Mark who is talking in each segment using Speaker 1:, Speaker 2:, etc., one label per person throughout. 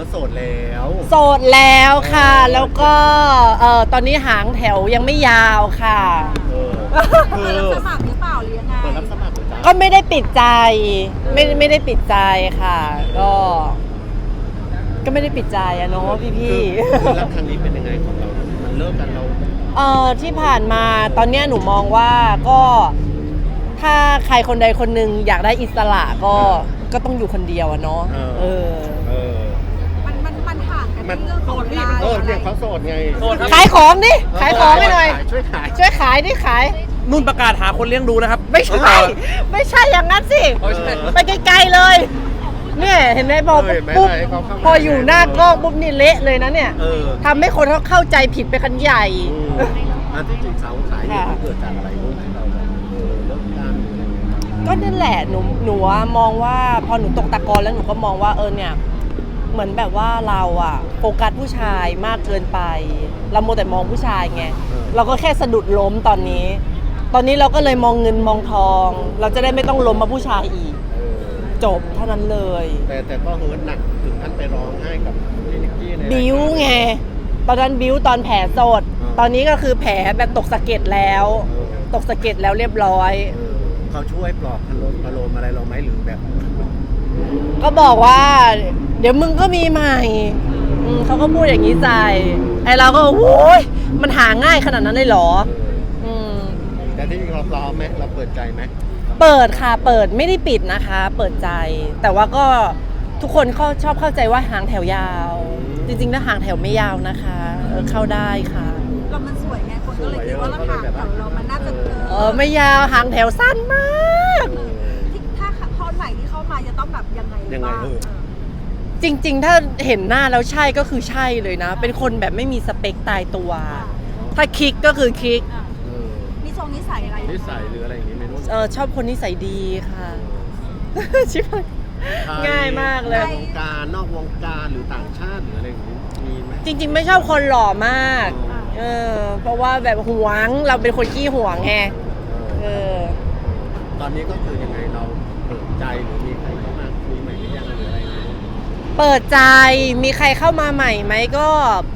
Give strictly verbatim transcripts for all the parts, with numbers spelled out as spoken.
Speaker 1: โสดแล้ว
Speaker 2: โสดแล้วค่ะแล้วก็เอ่อตอนนี้หางแถวยังไม่ยาวค่ะ
Speaker 1: เออคื
Speaker 3: เปิด
Speaker 1: อ
Speaker 3: รับสมัครหรือเปล่าหรือยังไง
Speaker 1: เปิดรับสมัครหรือจ๊ะ
Speaker 2: ก็ไม่ได้ปิดใจไม่ไม่ได้ปิดใจค่ะ ก็ ก็ไม่ได้ปิดใจอะเนาะพี่พี่
Speaker 1: คือคือรักครั้งนี้เป็นยังไงของเรา มันเลิกกันเรา
Speaker 2: เอ่อที่ผ่านมาตอนเนี้ยหนูมองว่าก็ถ้าใครคนใดคนหนึ่งอยากได้อิสระก็ก็ต้องอยู่คนเดียวอะเนาะ
Speaker 1: เออ
Speaker 2: เออ
Speaker 1: เออ
Speaker 3: มันมันมันห่างกัน
Speaker 1: มัน
Speaker 3: ที่เรื่องของเวลา
Speaker 1: เออเนี่ยเขาโสดไง
Speaker 4: โสดครับ
Speaker 2: ขายของดิขายของให้หน่อย
Speaker 1: ช่วยขาย
Speaker 2: ช่วยขายดิขาย
Speaker 4: นุ่นประกาศหาคนเลี้ยงดูนะครับ
Speaker 2: ไม่ใช่ ไม่ใช่อย่างนั้นสิ
Speaker 4: โอ้ยใช่
Speaker 2: ไปไกลๆเลย เนี่ยเห็นไหมพอ
Speaker 1: เออเห็นไหม
Speaker 2: ปุ๊บ
Speaker 1: ให้เขาเข้ามา
Speaker 2: พออยู่หน้ากล้องปุ๊บนี่เละเลยนะเนี่ย
Speaker 1: เออ
Speaker 2: ทำให้คนเขาเข้าใจผิดไปกันใหญ่
Speaker 1: อืมอันที่จริงสาวสายเนี่ยมันเกิดจากอะไรรู้ที่เราแบบเออเลิกกันหรืออะไรเงี้ย
Speaker 2: ก็นั่นแหละหนูหนูอะมองว่าพอหนูตกตะกอนแล้วหนูก็มองว่าเออเนี่ยเหมือนแบบว่าเราอะโฟกัสผู้ชายมากเกินไป เราโมวแต่มองผู้ชายไงเราก็แค่สะดุดล้มตอนนี้ ตอนนี้เราก็เลยมองเงินมองทอง เราจะได้ไม่ต้องล้มมาผู้ชายอีก
Speaker 1: เออ
Speaker 2: จบเท่านั้นเลย
Speaker 1: แต่แต่ก็เฮิร์ตหนักถึงขั้นไปร้องไห้กับพี่นิกกี้ในรายการ
Speaker 2: บิ้วไงตอนนั้นบิ้วตอนแผลสด
Speaker 1: อ่า
Speaker 2: ตอนนี้ก็คือแผลแบบตกสะเก็ดแล้ว
Speaker 1: เออ
Speaker 2: ตกสะเก็ดแล้วเรียบร้อย
Speaker 1: เออเขาช่วยปลอบพะโลมพะโลมอะไรเราไหมหรือแบบ
Speaker 2: ก็บอกว่า เดี๋ยวมึงก็มีใหม่อืมเขาก็พูดอย่างนี้ใจไอเราก็โอ้ยมันหาง่ายขนาดนั้นเลยเหรอ
Speaker 1: เออ
Speaker 2: อืม
Speaker 1: แต่ที่จริงเราพร้อมไหมเราเปิดใจไหม
Speaker 2: เปิดค่ะเปิดไม่ได้ปิดนะคะ เปิดใจ แต่ว่าก็ทุกคนเขาชอบเข้าใจว่าหางแถวยาว จริงๆแล้วหางแถวไม่ยาวนะคะเออเข้าได้ค่ะ
Speaker 3: เรามันสวยไงคนก็เลยคิดว่าเราห่างแถวเรามันน่าจะ
Speaker 2: เออไม่ยาวหางแถวสั้นมาก
Speaker 1: เออ
Speaker 3: ที่ถ้าข้อไหนที่เข้ามาจะต้องแบบยังไง
Speaker 1: ยังไง
Speaker 3: บ้าง
Speaker 1: เออ
Speaker 2: จริงๆ ถ้าเห็นหน้าแล้วใช่ก็คือใช่เลยนะ เป็นคนแบบไม่มีสเปคตายตัว ถ้าคลิกก็คือคลิก
Speaker 1: เออ
Speaker 3: มีทรงนิสัยอะไร
Speaker 1: นิสัยหรืออะไรอย่างนี้ไม่รู้
Speaker 2: เออชอบคนนิสัยดีค่ะ ชิบหายง่ายมากเลย
Speaker 1: ในวงการนอกวงการหรือต่างชาติหรืออะไรอย่างนี้มีไหม
Speaker 2: จริงๆ ไม่ชอบคนหล่อมาก เออ เพราะว่าแบบหวงเราเป็นคนขี้หวงไง
Speaker 1: เอ
Speaker 2: เอ
Speaker 1: อ
Speaker 2: อ
Speaker 1: ตอนนี้ก็คือยังไงเราเปิดใจหรือมีใครเข้ามาคุยใหม่หรือยังหรืออะไรอย่างนี้
Speaker 2: เปิดใจมีใครเข้ามาใหม่ไหมก็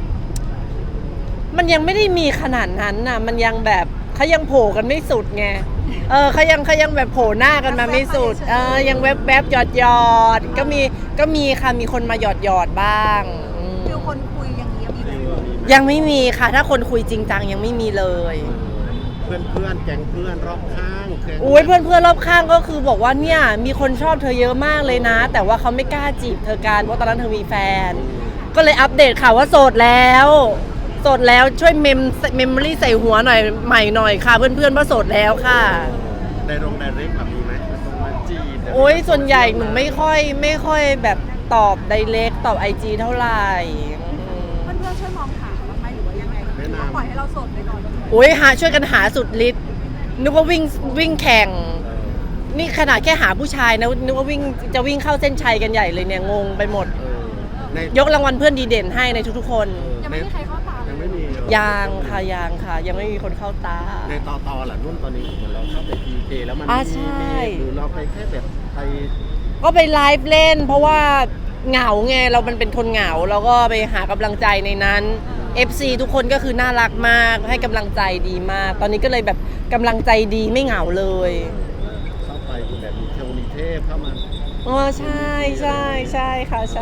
Speaker 2: มันยังไม่ได้มีขนาดนั้นน่ะ มันยังแบบเขายังโผล่กันไม่สุดไง เออเขายังเขายังแบบโผล่หน้ากันมาไม่สุด เออยังแวบแวบหยอดหยอดก็มีก็มีค่ะมีคนมาหยอดหยอดบ้างอืม
Speaker 3: ฟิลคนคุยอย่างนี้มีไหม
Speaker 2: ยังไม่มีค่ะ ถ้าคนคุยจริงจังยังไม่มีเลย
Speaker 1: เพื่อนเพื่อนๆแก๊งเพื่อนรอบข้างแก๊ง
Speaker 2: อุ้ยเพื่อนเพื่อนๆรอบข้างก็คือบอกว่าเนี่ยมีคนชอบเธอเยอะมากเลยนะ แต่ว่าเขาไม่กล้าจีบเธอกันเพราะตอนนั้นเธอมีแฟน ก็เลยอัปเดตข่าวว่าโสดแล้วโสดแล้วช่วยเมมเมมโมรี่ใส่หัวหน่อยใหม่หน่อยค่ะ เพื่อนเพื่อนๆว่าโสดแล้วค่ะ
Speaker 1: ในโรงในเร็กแบบมีไหมมันต้องมาจีบ
Speaker 2: โอ้ยส่วนใหญ่หนูไม่ค่อยไม่ค่อยแบบตอบไดเรกตอบไอจีเท่าไหร่อืม
Speaker 3: เพื่อนๆช่วยมองหาบ้างไหมหรือว่ายังไงหรือว่าปล่อยให้เราโสดไปก่อน
Speaker 2: โอ้ยหาช่วยกันหาสุดฤทธิ์นึกว่าวิ่งวิ่งแข่ง
Speaker 1: เออ
Speaker 2: นี่ขนาดแค่หาผู้ชายนะนึกว่าวิ่งจะวิ่งเข้าเส้นชัยกันใหญ่เลยเนี่ยงงไปหมด
Speaker 1: เออใน
Speaker 2: ยกรางวัลเพื่อนดีเด่นให้ในทุกๆคน
Speaker 3: ยังไม่มีใครเข้าตาเลย
Speaker 1: ยังไม่มีเหรอ
Speaker 2: ยังค่ะยังค่ะ ยังไม่มีคนเข้าตา
Speaker 1: ในต่อต่อหล่ะนุ่นตอนนี้เหมือนเราเข้าไปพีเคแล้วมัน
Speaker 2: อ่า
Speaker 1: มี
Speaker 2: ใช่
Speaker 1: มีหรือเราไปแค่แบบไป
Speaker 2: ก็ไปไลฟ์เล่น เพราะว่าเหงาไงเรามันเป็นคนเหงาเราก็ไปหากำลังใจในนั้น เอฟ ซี ทุกคนก็คือน่ารักมากให้กำลังใจดีมาก ตอนนี้ก็เลยแบบกำลังใจดีไม่เหงาเลย
Speaker 1: เข้าไปแบบมีเทวมีเทพเข้ามา
Speaker 2: อ๋อใช่ใช่ใช่ค่ะใช่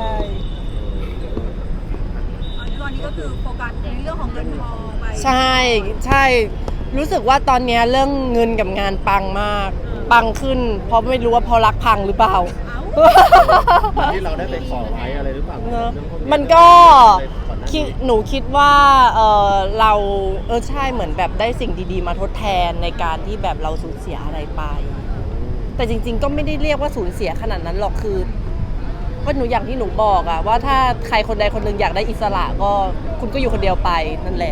Speaker 3: ตอนนี้ก็คือโฟกัสในเรื่องของเงินทองไป
Speaker 2: ใช่ใช่รู้สึกว่าตอนเนี้ยเรื่องเงินกับงานปังมาก ปังขึ้น เพราะไม่รู้ว่าเพอรักพังหรือเปล่า
Speaker 3: เอ้า
Speaker 1: ที่เราได้ไปขอไว้อะไรหรือเปล่า
Speaker 2: เนอะ
Speaker 1: เรื่องพว
Speaker 2: มันก็
Speaker 1: ได้ก่อนหน้า
Speaker 2: คิด
Speaker 1: นี้
Speaker 2: หนูคิดว่าเออเราเออใช่เหมือนแบบได้สิ่งดีๆ มาทดแทนในการที่แบบเราสูญเสียอะไรไป แต่จริงๆ ก็ไม่ได้เรียกว่าสูญเสียขนาดนั้นหรอกคือก็หนูอย่างที่หนูบอกอะว่าถ้าใครคนใดคนหนึ่งอยากได้อิสระก็คุณก็อยู่คนเดียวไปนั่นแหละ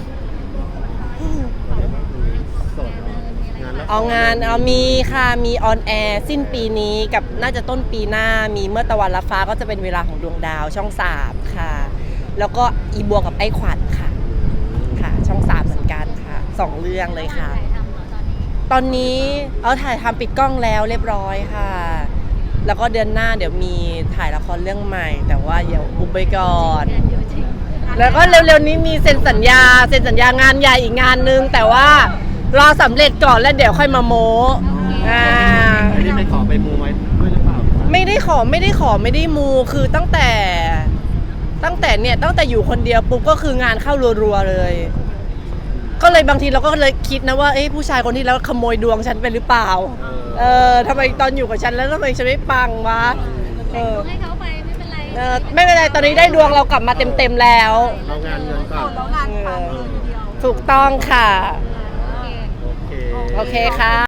Speaker 1: สดงานแล้ว
Speaker 2: เอางานเอามีค่ะมีออนแอร์สิ้นปีนี้กับน่าจะต้นปีหน้ามีเมื่อตะวันละฟ้าก็จะเป็นเวลาของดวงดาวช่องสามค่ะ แล้วก็อีบัวกับไอ้ขวัญค่ะค่ะ ช่องสามเหมือนกันค่ะสองเรื่องเลยค่ะ ตอนนี้เอาถ่ายทำปิดกล้องแล้วเรียบร้อยค่ะแล้วก็เดือนหน้าเดี๋ยวมีถ่ายละครเรื่องใหม่ แต่ว่าเดี๋ยวอุบไปก่อน แล้วก็เร็วๆนี้มีเซ็นสัญญาเซ็นสัญญางานใหญ่อีกงานนึง แต่ว่ารอสำเร็จก่อนแล้วเดี๋ยวค่อยมาโม้อ่า
Speaker 1: อันนี้ไปขอไปมูไว้ด้วยหรือเปล่า
Speaker 2: ไม่ได้ขอไม่ได้ขอไม่ได้มูคือตั้งแต่ ตั้งแต่เนี่ยตั้งแต่อยู่คนเดียวปุ๊บก็คืองานเข้ารัวๆเลย ก็เลยบางทีเราก็เลยคิดนะว่าเอ้ผู้ชายคนที่แล้วขโมยดวงฉันไปหรือเปล่า เออทำไมตอนอยู่กับฉันแล้วทำไมฉันไม่ปังวะเออ
Speaker 5: ให้เขาไปไม่เป็นไร
Speaker 2: เออไม่เป็นไรตอนนี้ได้ดวงเรากลับมาเต็มๆแล้ว
Speaker 1: เรางานเงินก่อน
Speaker 3: แล้วงานปังเลยทีเดียว
Speaker 2: ถูกต้องค่ะ
Speaker 1: โอเค
Speaker 2: โอเคค่ะ